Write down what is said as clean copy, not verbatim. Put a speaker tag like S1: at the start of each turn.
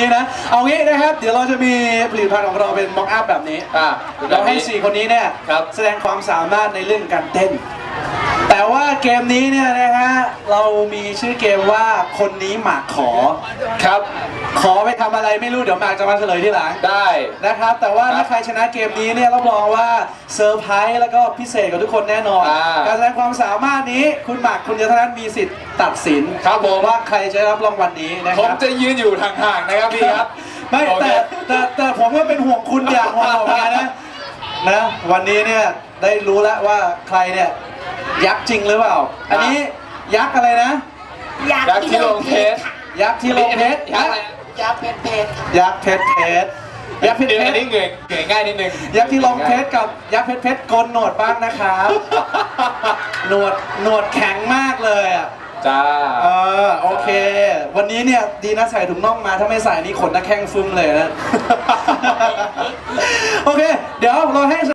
S1: นี้นะเอางี้นะครับเดี๋ยวเราจะมีผลิตภัณฑ์ของเราเป็นม็อกอัพแบบนี้เราให้4คนนี้เนี่ยแสดงความสามารถในเรื่องการเต้นแต่ว่าเกมนี้เนี่ยนะฮะเรามีชื่อเกมว่าคนนี้หมากขอครับขอไปทำอะไรไม่รู้เดี๋ยวหมากจะมาเฉลยที่หลังได้นะครับแต่ว่าถ้าใครชนะเกมนี้เนี่ยรับรองว่าเซอร์ไพรส์แล้วก็พิเศษกับทุกคนแน่นอนการแสดงความสามารถนี้คุณหมากคุณยศนัทมีสิทธิ์ตัดสินครับผมว่าใครจะได้รับรางวัลนี้นะครับผมจะยืนอยู่ห่างๆนะครับพี่ครับไม่แต่ผมก็เป็นห่วงคุณอย่างห่วงเหมือนกันนะวันนี้เนี่ยได้รู้แล้วว่าใครเนี่ยยักษ์จริงหรือเปล่าอันนี้ยักษ์อะไรนะ
S2: ยักษ์ที่ลงเพชร
S1: ยักษ์ที่ลงเพชร
S2: ยักษ์เพชร
S1: ยักษ์เพชรยักษ์เพชร
S3: อันนี้เงยง่ายนิดนึง
S1: ยักษ์ที่ลงเพชรกับยักษ์เพชรโกนหนวดบ้างนะครับหนวดแข็งมากเลยอ่ะ
S3: จ้า
S1: โอเควันนี้เนี่ยดีนะใส่ถุงน่องมาถ้าไม่ใส่นี่ขนตะแข้งฟึ้มเลยนะโอเคเดี๋ยวเราให้